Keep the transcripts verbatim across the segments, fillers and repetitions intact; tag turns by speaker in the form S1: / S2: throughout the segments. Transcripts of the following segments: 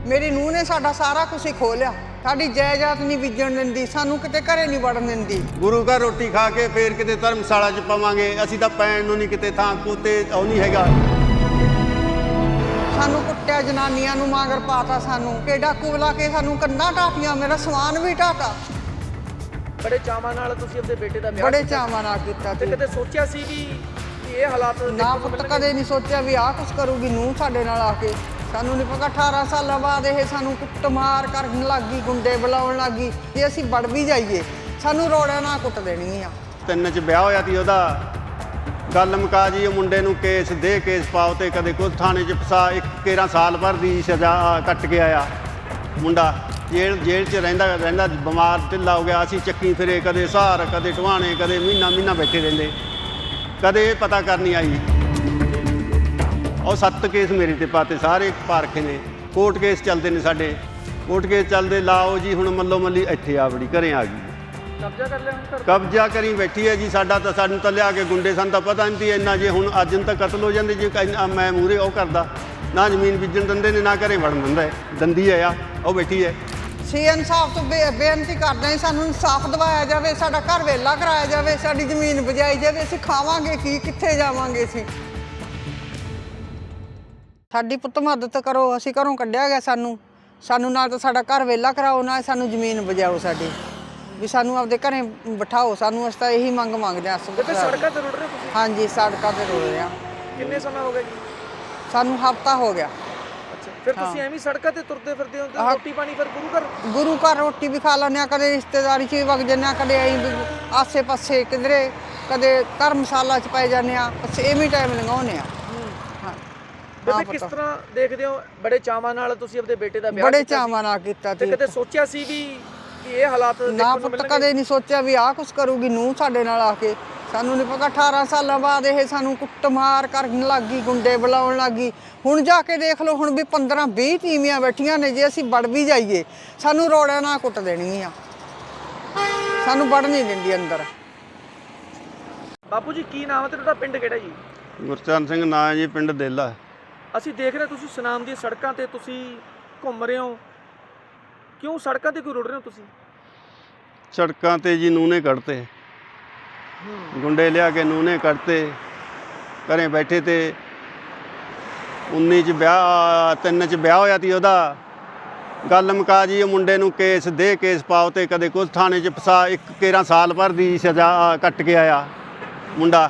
S1: मेरी नूह ने साडा सारा कुछ ही खो लिया। साडी जायदाद नहीं बीजण दिंदी, सानू किते घरे नहीं वड़न दिंदी।
S2: गुरु घर रोटी खा के फिर किते धर्मशाला च पवांगे, असीं तां पैण नूं नहीं किते थां कोते ਉਹ नहीं हैगा।
S1: सानू कुट्टिया, जनानियां नूं मांगर पाता, सानू के डाकू बुला के सानू कंधा ढाटियां, मेरा समान भी ढाटा।
S3: बड़े चावां नाल तुसीं अपने बेटे दा विआह
S1: बड़े चावां नाल कीता
S3: ते
S1: सी।
S3: कदे सोचिया सी भी कि ਇਹ ਹਾਲਾਤ
S1: ना पुत्त कदे नहीं सोचा भी आ कुछ करूगी नूह साडे नाल आके। सानू नहीं पता अठारह साल बाद ये सानू कुੱਟਮਾਰ ਕਰਨ ਲੱਗੀ, ਗੁੰਡੇ ਬੁਲਾਉਣ ਲੱਗੀ। ਜੇ ਅਸੀਂ ਵੜ ਵੀ ਜਾਈਏ ਸਾਨੂੰ ਰੋੜਿਆਂ ਨਾਲ ਕੁੱਟ ਦੇਣੀ ਆ।
S2: ਤਿੰਨ ਚ ਵਿਆਹ ਹੋਇਆ ਸੀ ਉਹਦਾ, ਗੱਲ ਮੁਕਾ ਜੀ ਉਹ ਮੁੰਡੇ ਨੂੰ ਕੇਸ ਦੇ ਕੇਸ ਪਾਓ ਤੇ ਕਦੇ ਕੁਝ ਥਾਣੇ 'ਚ ਫਸਾ। ਇੱਕ ਤੇਰਾਂ ਸਾਲ ਭਰ ਦੀ ਸਜ਼ਾ ਕੱਟ ਕੇ ਆਇਆ ਮੁੰਡਾ, ਜੇਲ੍ਹ ਜੇਲ੍ਹ 'ਚ ਰਹਿੰਦਾ ਰਹਿੰਦਾ ਬਿਮਾਰ ਢਿੱਲਾ ਹੋ ਗਿਆ। ਅਸੀਂ ਚੱਕੀ ਫਿਰੇ, ਕਦੇ ਸਹਾਰ, ਕਦੇ ਟਵਾਣੇ, ਕਦੇ ਮਹੀਨਾ ਮਹੀਨਾ ਬੈਠੇ ਰਹਿੰਦੇ, ਕਦੇ ਇਹ ਪਤਾ ਕਰਨੀ ਆਈ। ਉਹ ਸੱਤ ਕੇਸ ਮੇਰੇ ਤੇ ਪਾਤੇ, ਸਾਰੇ ਪਾਰਖੇ ਨੇ। ਕੋਰਟ ਕੇਸ ਚੱਲਦੇ ਨੇ ਸਾਡੇ, ਕੋਰਟ ਕੇਸ ਚੱਲਦੇ। ਲਾਓ ਜੀ ਹੁਣ ਮੱਲੋ ਮੱਲੀ ਇੱਥੇ ਆ ਬੜੀ ਘਰੇ ਆ ਗਈ,
S3: ਕਬਜ਼ਾ ਕਰ ਲਿਆ ਹੁਣ ਘਰ?
S2: ਕਬਜ਼ਾ ਕਰੀ ਬੈਠੀ ਹੈ ਜੀ। ਸਾਡਾ ਤਾਂ ਸਾਨੂੰ ਤਾਂ ਲਿਆ ਕੇ ਗੁੰਡੇ, ਸਾਨੂੰ ਤਾਂ ਪਤਾ ਨਹੀਂ ਸੀ ਇੰਨਾ। ਜੇ ਹੁਣ ਅੱਜ ਨੂੰ ਤਾਂ ਕਤਲ ਹੋ ਜਾਂਦੇ ਜੇ ਮੈਂ ਮੂਹਰੇ ਉਹ ਕਰਦਾ। ਨਾ ਜ਼ਮੀਨ ਬੀਜਣ ਦਿੰਦੇ ਨੇ, ਨਾ ਘਰੇ ਵੜਨ ਦਿੰਦਾ। ਦੰਦੀ ਹੈ ਆ, ਉਹ ਬੈਠੀ ਹੈ।
S1: ਸੀ ਇਨਸਾਫ ਤੋਂ ਬੇ- ਬੇਨਤੀ ਕਰਦੇ ਹਾਂ, ਸਾਨੂੰ ਇਨਸਾਫ ਦਿਵਾਇਆ ਜਾਵੇ, ਸਾਡਾ ਘਰ ਵੇਲਾ ਕਰਾਇਆ ਜਾਵੇ, ਸਾਡੀ ਜ਼ਮੀਨ ਬਜਾਈ ਜਾਵੇ। ਅਸੀਂ ਖਾਵਾਂਗੇ ਕੀ, ਕਿੱਥੇ ਜਾਵਾਂਗੇ ਅਸੀਂ? ਸਾਡੀ ਪੁੱਤ ਮਦਦ ਕਰੋ, ਅਸੀਂ ਘਰੋਂ ਕੱਢਿਆ ਗਿਆ ਸਾਨੂੰ। ਸਾਨੂੰ ਨਾਲ ਤਾਂ ਸਾਡਾ ਘਰ ਵੇਲਾ ਕਰਾਓ, ਨਾ ਸਾਨੂੰ ਜ਼ਮੀਨ ਬਜਾਓ ਸਾਡੀ, ਵੀ ਸਾਨੂੰ ਆਪਦੇ ਘਰੇ ਬਿਠਾਓ। ਸਾਨੂੰ ਅਸੀਂ ਤਾਂ ਇਹੀ ਮੰਗ ਮੰਗਦੇ ਹਾਂ।
S3: ਤੇ ਸੜਕਾਂ ਤੇ ਰੁੜ ਰਹੇ ਤੁਸੀਂ?
S1: ਹਾਂਜੀ, ਸੜਕਾਂ ਤੇ ਰੁੜ ਰਹੇ ਹਾਂ।
S3: ਕਿੰਨੇ ਸਮਾਂ ਹੋ ਗਿਆ ਜੀ?
S1: ਸਾਨੂੰ ਹਫ਼ਤਾ ਹੋ ਗਿਆ।
S3: ਅੱਛਾ, ਫਿਰ ਤੁਸੀਂ ਐਵੇਂ ਸੜਕਾਂ ਤੇ ਤੁਰਦੇ ਫਿਰਦੇ ਹੋ ਤੇ
S1: ਹਾਂ।
S3: ਰੋਟੀ ਪਾਣੀ ਫਿਰ ਗੁਰੂ ਘਰ?
S1: ਗੁਰੂ ਘਰ ਰੋਟੀ ਵੀ ਖਾ ਲੈਂਦੇ ਹਾਂ, ਕਦੇ ਰਿਸ਼ਤੇਦਾਰੀ 'ਚ ਵੀ ਵਗ ਜਾਂਦੇ ਹਾਂ, ਕਦੇ ਅਸੀਂ ਵੀ ਆਸੇ ਪਾਸੇ ਕਿਧਰੇ, ਕਦੇ ਧਰਮਸ਼ਾਲਾ 'ਚ ਪੈ ਜਾਂਦੇ ਹਾਂ। ਬਸ ਐਵੇਂ ਟਾਈਮ ਲੰਘਾਉਂਦੇ ਹਾਂ। ਹਾਂ,
S3: ਬੇਬੇ ਕਿਸ ਤਰ੍ਹਾਂ ਦੇਖਦੇ ਹੋ? ਬੜੇ ਚਾਵਾਂ ਨਾਲ ਤੁਸੀਂ ਆਪਣੇ ਬੇਟੇ ਦਾ ਵਿਆਹ
S1: ਬੜੇ
S3: ਕੀਤਾ ਸੀ।
S1: ਚਾਵਾਂ ਨਾਲ ਕੀਤਾ
S3: ਤੇ
S1: ਸੀ।
S3: ਕਦੇ ਸੋਚਿਆ ਸੀ ਵੀ ਕਿ ਇਹ ਹਾਲਾਤ
S1: ਨਾ
S3: ਦੇਖਣ ਨੂੰ
S1: ਪੁੱਤ
S3: ਮਿਲਣਗੇ?
S1: ਕਦੇ ਨਹੀਂ ਸੋਚਿਆ ਵੀ ਆਹ ਕੁਛ ਕਰੂਗੀ ਨੂੰਹ ਸਾਡੇ ਨਾਲ ਆ ਕੇ। ਸਾਨੂੰ ਨਹੀਂ ਪਤਾ ਅਠਾਰਾਂ ਸਾਲਾਂ ਬਾਅਦ ਇਹ ਸਾਨੂੰ ਕੁੱਟਮਾਰ ਕਰਨ ਲੱਗੀ, ਗੁੰਡੇ ਬੁਲਾਉਣ ਲੱਗੀ। ਹੁਣ ਜਾ ਕੇ ਦੇਖ ਲਓ, ਹੁਣ ਵੀ ਪੰਦਰਾਂ ਵੀਹ ਟੀਮੀਆਂ ਬੈਠੀਆਂ ਨੇ। ਜੇ ਅਸੀਂ ਵੜ ਵੀ ਜਾਈਏ ਸਾਨੂੰ ਰੋੜਿਆਂ ਨਾਲ ਕੁੱਟ ਦੇਣਗੀਆਂ, ਸਾਨੂੰ ਵੜ ਨਹੀਂ ਦਿੰਦੀ ਅੰਦਰ।
S3: ਬਾਪੂ ਜੀ ਕੀ ਨਾਮ ਹੈ ਤੇ ਤੁਹਾਡਾ ਪਿੰਡ ਕਿਹੜਾ ਜੀ?
S2: ਗੁਰਚਰਨ ਸਿੰਘ ਨਾਂ ਹੈ ਜੀ, ਪਿੰਡ ਦੇਲਾ।
S3: ਅਸੀਂ ਦੇਖ ਰਹੇ ਤੁਸੀਂ ਸੁਨਾਮ ਦੀਆਂ ਸੜਕਾਂ ਤੇ ਤੁਸੀਂ ਘੁੰਮ ਰਹੇ ਹੋ, ਕਿਉਂ ਸੜਕਾਂ ਤੇ ਕਿਉਂ ਰੁੜ ਰਹੇ ਹੋ ਤੁਸੀਂ?
S2: ਸੜਕਾਂ ਤੇ ਜੀ ਨੂਨੇ ਕੱਢਤੇ, ਗੁੰਡੇ ਲਿਆ ਕੇ ਨੂਨੇ ਕੱਢਤੇ। ਘਰੇ ਬੈਠੇ ਤੇ ਉੱਨੀ 'ਚ ਵਿਆਹ, ਤਿੰਨ 'ਚ ਵਿਆਹ ਹੋਇਆ ਸੀ ਉਹਦਾ, ਗੱਲ ਮੁਕਾ ਜੀ ਉਹ ਮੁੰਡੇ ਨੂੰ ਕੇਸ ਦੇ ਕੇਸ ਪਾਓ ਤੇ ਕਦੇ ਕੁਝ ਥਾਣੇ 'ਚ ਫਸਾ। ਇੱਕ ਤੇਰਾਂ ਸਾਲ ਭਰ ਦੀ ਸਜ਼ਾ ਕੱਟ ਕੇ ਆਇਆ ਮੁੰਡਾ,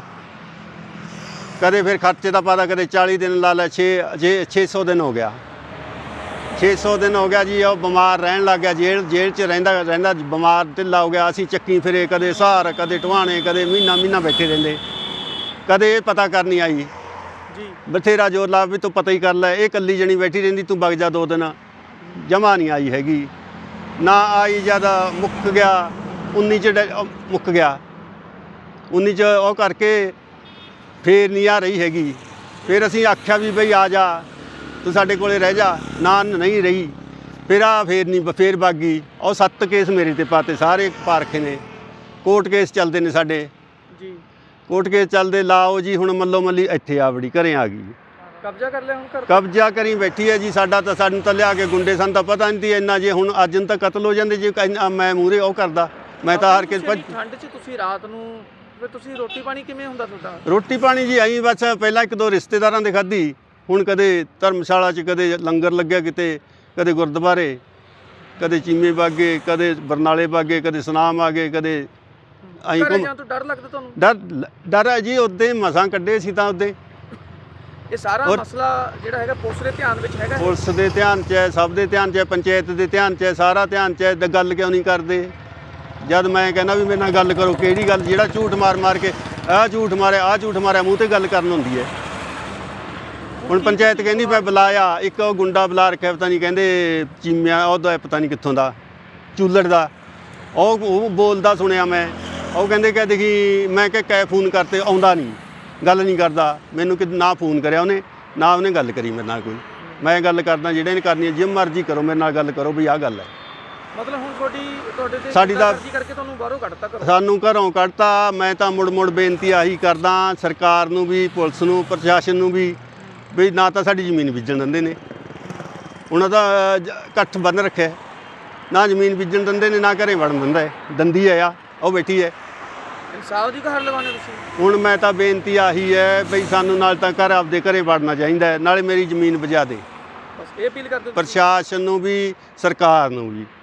S2: ਕਦੇ ਫਿਰ ਖਰਚੇ ਦਾ ਪਤਾ, ਕਦੇ ਚਾਲੀ ਦਿਨ ਲਾ ਲੈ, ਛੇ ਜੇ ਛੇ ਸੌ ਦਿਨ ਹੋ ਗਿਆ, ਛੇ ਸੌ ਦਿਨ ਹੋ ਗਿਆ ਜੀ। ਉਹ ਬਿਮਾਰ ਰਹਿਣ ਲੱਗ ਗਿਆ, ਜੇਲ੍ਹ ਜੇਲ੍ਹ 'ਚ ਰਹਿੰਦਾ ਰਹਿੰਦਾ ਬਿਮਾਰ ਢਿੱਲਾ ਹੋ ਗਿਆ। ਅਸੀਂ ਚੱਕੀ ਫਿਰੇ, ਕਦੇ ਸਹਾਰ, ਕਦੇ ਟਵਾਣੇ, ਕਦੇ ਮਹੀਨਾ ਮਹੀਨਾ ਬੈਠੇ ਰਹਿੰਦੇ, ਕਦੇ ਇਹ ਪਤਾ ਕਰਨੀ ਆਈ
S3: ਜੀ।
S2: ਬਥੇਰਾ ਜ਼ੋਰ ਲਾ ਵੀ ਤੂੰ ਪਤਾ ਹੀ ਕਰ ਲੈ। ਇਹ ਇਕੱਲੀ ਜਣੀ ਬੈਠੀ ਰਹਿੰਦੀ, ਤੂੰ ਵਗ ਜਾ ਦੋ ਦਿਨ। ਜਮ੍ਹਾਂ ਨਹੀਂ ਆਈ ਹੈਗੀ, ਨਾ ਆਈ। ਜਦ ਮੁੱਕ ਗਿਆ ਉੱਨੀ 'ਚ ਡੈ- ਅਹ ਮੁੱਕ ਗਿਆ ਉੱਨੀ 'ਚ ਉਹ ਕਰਕੇ ਫੇਰ ਨਹੀਂ ਆ ਰਹੀ ਹੈਗੀ। ਫਿਰ ਅਸੀਂ ਆਖਿਆ ਵੀ ਬਈ ਆ ਜਾ, ਤੂੰ ਸਾਡੇ ਕੋਲੇ ਰਹਿ ਜਾ। ਨਾ ਨਹੀਂ ਰਹੀ, ਫਿਰ ਆ ਫੇਰ ਨਹੀਂ, ਫੇਰ ਵਗ ਗਈ। ਉਹ ਸੱਤ ਕੇਸ ਮੇਰੇ ਤੇ ਪਾਤੇ, ਸਾਰੇ ਪਾਰਖੇ ਨੇ। ਕੋਰਟ ਕੇਸ ਚੱਲਦੇ ਨੇ ਸਾਡੇ,
S3: ਜੀ।
S2: ਕੋਰਟ ਕੇਸ ਚੱਲਦੇ। ਲਾਓ ਜੀ ਹੁਣ ਮੱਲੋ ਮੱਲੀ ਇੱਥੇ ਆ ਬੜੀ ਘਰੇ ਆ ਗਈ।
S3: ਕਬਜ਼ਾ ਕਰ ਲਿਆ ਹੁਣ ਘਰ?
S2: ਕਬਜ਼ਾ ਕਰੀ ਬੈਠੀ ਹੈ ਜੀ। ਸਾਡਾ ਤਾਂ ਸਾਨੂੰ ਤਾਂ ਲਿਆ ਕੇ ਗੁੰਡੇ, ਸਾਨੂੰ ਤਾਂ ਪਤਾ ਨਹੀਂ ਸੀ ਇੰਨਾ। ਜੇ ਹੁਣ ਅੱਜ ਨੂੰ ਤਾਂ ਕਤਲ ਹੋ ਜਾਂਦੇ ਜੇ ਮੈਂ ਮੂਹਰੇ ਉਹ ਕਰਦਾ। ਮੈਂ ਤਾਂ ਹਾਰ ਕੇ ਭੱਜ।
S3: ਠੰਡ 'ਚ ਤੁਸੀਂ ਰਾਤ ਨੂੰ ਫਿਰ ਤੁਸੀਂ ਰੋਟੀ ਪਾਣੀ ਕਿਵੇਂ ਹੁੰਦਾ ਤੁਹਾਡਾ?
S2: ਰੋਟੀ ਪਾਣੀ ਜੀ ਆਈ ਬਸ, ਪਹਿਲਾਂ ਇੱਕ ਦੋ ਰਿਸ਼ਤੇਦਾਰਾਂ ਦੇ ਖਾਧੀ। ਹੁਣ ਕਦੇ ਧਰਮਸ਼ਾਲਾ 'ਚ, ਕਦੇ ਲੰਗਰ ਲੱਗਿਆ ਕਿਤੇ, ਕਦੇ ਗੁਰਦੁਆਰੇ, ਕਦੇ ਚੀਮੇ ਬਾਗੇ, ਕਦੇ ਬਰਨਾਲੇ ਬਾਗੇ, ਕਦੇ ਸੁਨਾਮ ਆ ਗਏ, ਕਦੇ ਆਈ
S3: ਘਰੇ
S2: ਘੁੰਮ।
S3: ਜਾਣ ਤੋਂ ਡਰ ਲੱਗਦਾ ਤੁਹਾਨੂੰ?
S2: ਡਰ ਡਰ ਹੈ ਜੀ। ਉੱਦੇ ਮਸਾਂ ਕੱਢੇ ਸੀ ਤਾਂ ਉੱਦੇ।
S3: ਇਹ ਸਾਰਾ
S2: ਹੋਰ-
S3: ਮਸਲਾ ਜਿਹੜਾ ਹੈਗਾ ਪੁਲਿਸ ਦੇ ਧਿਆਨ ਵਿੱਚ ਹੈਗਾ?
S2: ਪੁਲਿਸ ਦੇ ਧਿਆਨ 'ਚ ਹੈ, ਸਭ ਦੇ ਧਿਆਨ 'ਚ ਹੈ, ਪੰਚਾਇਤ ਦੇ ਧਿਆਨ 'ਚ ਹੈ, ਸਾਰਾ ਧਿਆਨ 'ਚ ਹੈ। ਤੇ ਗੱਲ ਕਿਉਂ ਨਹੀਂ ਕਰਦੇ? ਜਦ ਮੈਂ ਕਹਿੰਦਾ ਵੀ ਮੇਰੇ ਨਾਲ ਗੱਲ ਕਰੋ, ਕਿਹੜੀ ਗੱਲ? ਜਿਹੜਾ ਝੂਠ ਮਾਰ ਮਾਰ ਕੇ ਆਹ ਝੂਠ ਮਾਰਿਆ, ਆਹ ਝੂਠ ਮਾਰਿਆ, ਮੂੰਹ ਤੇ ਗੱਲ ਕਰਨ ਹੁੰਦੀ ਹੈ। ਹੁਣ ਪੰਚਾਇਤ ਕਹਿੰਦੀ ਮੈਂ ਬੁਲਾਇਆ, ਇੱਕ ਉਹ ਗੁੰਡਾ ਬੁਲਾ ਰੱਖਿਆ, ਪਤਾ ਨਹੀਂ ਕਹਿੰਦੇ ਚੀਮਿਆ ਉਹਦਾ, ਪਤਾ ਨਹੀਂ ਕਿੱਥੋਂ ਦਾ, ਚੂਲੜ ਦਾ। ਉਹ ਉਹ ਬੋਲਦਾ ਸੁਣਿਆ ਮੈਂ। ਉਹ ਕਹਿੰਦੇ ਕਿ ਦੇਖੀ, ਮੈਂ ਕਿ ਕੈ ਫੋਨ ਕਰਤੇ, ਆਉਂਦਾ ਨਹੀਂ, ਗੱਲ ਨਹੀਂ ਕਰਦਾ। ਮੈਨੂੰ ਕਿ ਨਾ ਫੋਨ ਕਰਿਆ ਉਹਨੇ, ਨਾ ਉਹਨੇ ਗੱਲ ਕਰੀ ਮੇਰੇ ਨਾਲ ਕੋਈ। ਮੈਂ ਗੱਲ ਕਰਦਾ, ਜਿਹੜੇ ਨੇ ਕਰਨੀ ਹੈ, ਜਿਵੇਂ ਮਰਜ਼ੀ ਕਰੋ, ਮੇਰੇ ਨਾਲ ਗੱਲ ਕਰੋ ਵੀ ਆਹ ਗੱਲ ਹੈ।
S3: ਮਤਲਬ ਹੁਣ ਤੁਹਾਡੀ ਤੁਹਾਡੇ ਤੇ
S2: ਸਾਡੀ ਤਾਂ-
S3: ਗੁੰਡਾਗਰਦੀ ਕਰਕੇ ਤੁਹਾਨੂੰ ਬਾਹਰੋਂ ਕੱਢਤਾ ਘਰੋਂ?
S2: ਸਾਨੂੰ ਘਰੋਂ ਕੱਢਤਾ। ਮੈਂ ਤਾਂ ਮੁੜ ਮੁੜ ਬੇਨਤੀ ਆਹੀ ਕਰਦਾ ਸਰਕਾਰ ਨੂੰ ਵੀ, ਪੁਲਿਸ ਨੂੰ, ਪ੍ਰਸ਼ਾਸਨ ਨੂੰ ਵੀ, ਵੀ ਨਾ ਤਾਂ ਸਾਡੀ ਜ਼ਮੀਨ ਬੀਜਣ ਦਿੰਦੇ ਨੇ, ਉਹਨਾਂ ਦਾ ਅ, ਜ- ਇਕੱਠ ਬੰਨ ਰੱਖਿਆ ਹੈ। ਨਾ ਜ਼ਮੀਨ ਬੀਜਣ ਦਿੰਦੇ ਨੇ ਨਾ ਘਰੇ ਵੜਨ ਦਿੰਦਾ ਹੈ। ਦੰਦੀ ਹੈ ਆ ਉਹ ਬੈਠੀ ਹੈ।
S3: ਇਨਸਾਫ ਦੀ ਗੁਹਾਰ ਲਗਾਉਂਦੇ ਤੁਸੀਂ?
S2: ਹੁਣ ਮੈਂ ਤਾਂ ਬੇਨਤੀ ਆਹੀ ਹੈ ਬਈ ਸਾਨੂੰ ਨਾਲ ਤਾਂ ਘਰ ਆਪਦੇ ਘਰੇ ਵੜਨਾ ਚਾਹੀਦਾ ਹੈ, ਨਾਲੇ ਮੇਰੀ ਜ਼ਮੀਨ ਬਚਾ ਦੇ।
S3: ਬਸ ਇਹ ਅਪੀਲ ਕਰਦੇ ਹੋ ਤੁਸੀਂ?
S2: ਪ੍ਰਸ਼ਾਸਨ ਨੂੰ ਵੀ ਸਰਕਾਰ ਨੂੰ ਵੀ।